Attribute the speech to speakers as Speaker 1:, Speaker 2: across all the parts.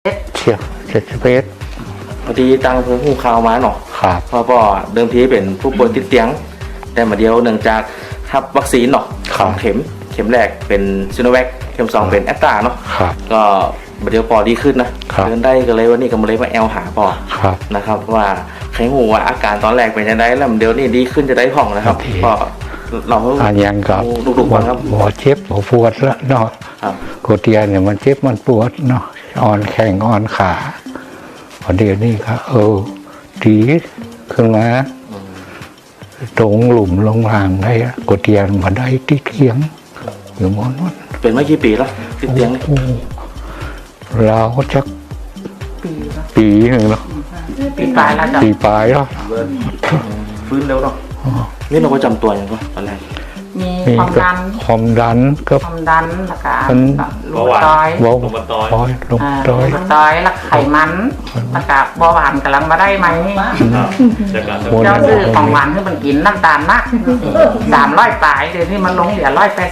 Speaker 1: เชียว71
Speaker 2: พอดีตังเพิ่งหูข่าวมาเนาะ
Speaker 1: ครับ
Speaker 2: เพราะเดิมทีเป็นผู้ป่วยติดเตียงแต่มาเดียวเนื่องจากรับวัคซีนเนาะ2 เข็มแรกเป็นซิโนแวคเข็ม2เป็นแอสตราเนาะก็มาเดียวปอดีขึ้นนะเดินได้ก็เลยวันนี้ก็มาเลยมาแอลหาปอนะครับว่าใครหูว่าอาการตอนแรกเป็นยังไงแล้วเดี๋ยวนี้ดีขึ้นจะได้ผ่องนะครับก็เรา
Speaker 1: ยังกับ
Speaker 2: ดุๆครับ
Speaker 1: หัวเจ็บหัวปวดแล้วเนาะกดเตียนเนี่ยมันเจ็บมันปวดเนาะอ่อนแข้งอ่อนขาพอเดี๋ยวนี้ก็ดีขึ้นมาตรงหลุมลงรางได้กดเตียนมาได้ที่เทียงอยู่มอนวัน
Speaker 2: เป็นมากี่ปีแล้วติดเตียง
Speaker 1: เราจะปีหนึ่งแล้ว
Speaker 2: ปีปลายแล้วจ้ะ
Speaker 1: ปีปลายแล้ว
Speaker 2: ฟื้นเร็วเนาะนี่เราประจำตัวอย่างไรตอนแรก
Speaker 3: มี
Speaker 1: ความดันก็
Speaker 3: ความดันแล้วก็
Speaker 2: ลงต้อย
Speaker 1: ลงต้อย
Speaker 3: แล้วไขมันแล้วก็เบาหวานกำลังมาได้ไหมเจ้าซื้อของหวานให้มันกินน้ำตาลมาก300 ปลายเดี๋ยวนี้มันลงเหลือ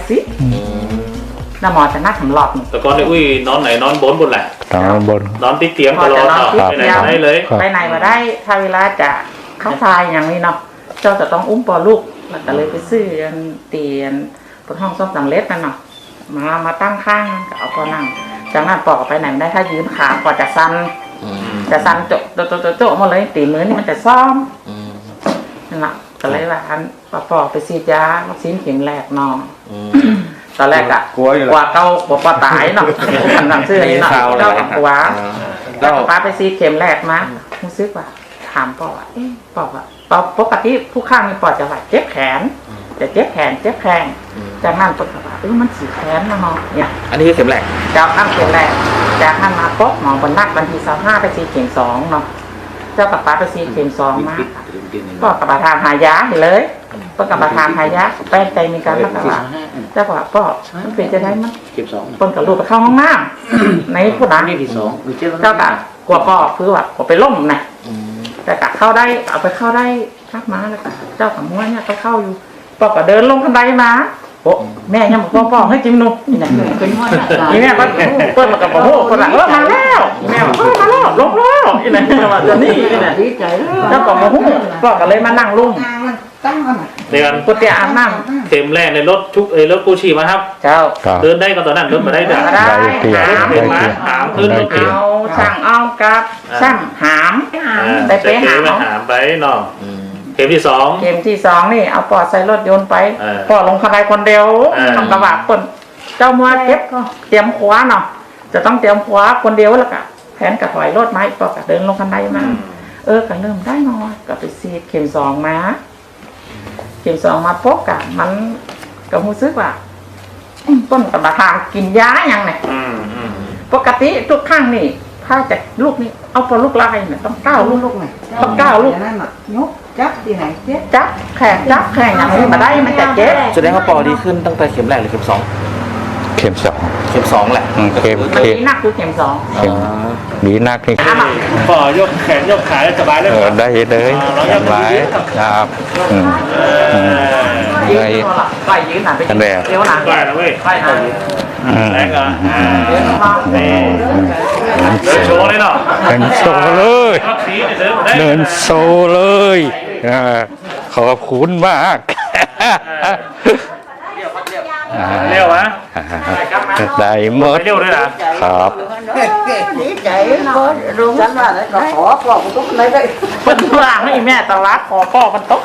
Speaker 3: 180แล้วหมอจะนัดสำรอบ
Speaker 4: แต่ก่อนนี่นอนไหนนอนบนแหละนอนติดเตียงตลอดไปไหนมาได้เลย
Speaker 3: ไปไหนมาได้ถ้าเวลาจะเข้าทายอย่างนี้เนาะเจ้าจะต้องอุ้มปอลูกแล้วก็เลยไปซื้อเตียนบนห้องซ่อมสำเร็จนั่นเนาะมาตั้งข้างก็เอาปอนั่งจากนั้นปอกไปไหนไม่ได้ถ้ายืนขาปอจะสั่นโจมาเลยตีมือนี่มันจะซ่อมนั่นแหละก็เลยว่าปอไปซีดยาวัคซีนเข็มแรกเนาะตอนแรกอะกลัวเก้ากลัวตายเนาะทำซื้อนี่เนาะเจ้ากับกลัวแล้วป้าไปซีดเข็มแรกมารู้สึกว่าถามปอว่าปอว่าปกติผู้ข้างมีปอดจะว่าเจ็บแขนจะเจ็บแขนจากนั้นปอดว่ามันสีแขนนะเนาะเนี่ย
Speaker 2: อันนี้คือเข็มแรก
Speaker 3: จากนั้นเข็มแรกจากนั้นมาป๊อกหมอบนนักวันที่25ไปซีเข็ม2เนาะเจ้ากับป้าไปซีเข็ม2มาปอดกับประทานหายาเลยปอดกับประทานหายาแป้งใจมีการรักษาเจ้ากับปอดมันเป็นจะได้มั้ย
Speaker 4: เข็ม2
Speaker 3: ปนกับลูกไปเข้าห้องน้ำในผู้นั้น
Speaker 4: นี่ที่2
Speaker 3: เจ้ากับกลัวปอดคือว่าไปล้มนะแต่กะเข้าได้เอาไปเข้าได้ทักมาแล้วก็เจ้ากับม้วนเนี่ยก็เข้าอยู่ปอกก็เดินลงบันไดมาโอ้แม่ยังบอกปอกให้จิ้มนุ่มนี่นะนี่แม่ก็เปิดมากับโอ้โหคนละมาแล้วแม่บอกมาแล้วลงแล้วนี่นะว่าจะนี่นะดีใจเจ้ากับโอ้โหปอกก็เลยมานั่งลุ่ม
Speaker 4: เดือน
Speaker 3: กุฏิอาบน้
Speaker 4: ำเข็มแรกในรถกู้ชีมาครับ
Speaker 3: เจ้า
Speaker 4: เดินได้ก็ตอนนั้นเดินมาได้
Speaker 3: ได้
Speaker 4: หามขึ้นรถเข็ม
Speaker 3: เอาช่างเอากับช่างหามไปหาม
Speaker 4: ไปเนาะเข็มที่
Speaker 3: 2นี่เอาปอดใส่รถยนต์ไปปอดลงคันใดคนเดียวทำกระบะคนเจ้ามัวเก็บเตรียมขวาเนาะจะต้องเตรียมขวาคนเดียวแล้วก็แผนกระถอยรถไม้ปอดก็เดินลงคันใดมาก็เริ่มได้นอนก็ไปซีดเข็ม2มาเข็ม2มาพบกันมันก็รู้สึกว่าต้นกระทางกินยาอย่างเนี่ยปกติทุกครั้งนี่ถ้าจะลูกนี่เอาพอลูกลายเนี่ยต้อง9 ลูกต้อง9 ลูก
Speaker 5: นั่นน่ะยกจับที่ไหนเจ็บ
Speaker 3: จับแขกอย่างนี้มาได้มันจะเจ็บ
Speaker 2: แสดงว่าปอดีขึ้นตั้งแต่เข็มแรกหรือเข็ม2
Speaker 1: เข็ม2
Speaker 2: แหละ
Speaker 3: เข็มนักคือเข็ม2
Speaker 1: ดีนักนี่
Speaker 4: ปอยกแขนยกขาได้สบายเลย
Speaker 1: ได้เลยสบายครับ
Speaker 3: ได้ไปยืนหนาไปเดี๋ยวหนา
Speaker 4: ไปนะเว้ย
Speaker 3: ไปนะ
Speaker 4: แรงอ่ะเดินโชว์เลยเนาะ
Speaker 1: เดินโชว์เลยเดินโชว์เลยขอบคุณมาก
Speaker 4: เร็วนะ
Speaker 1: ได้หมด
Speaker 4: เร็วด้วยนะครับ
Speaker 5: ดีใจรู้ฉันว่าขอพ่อผมก็ไม่ได้
Speaker 3: เป็นว่างให้แม่ตลาดขอพ่อมันตก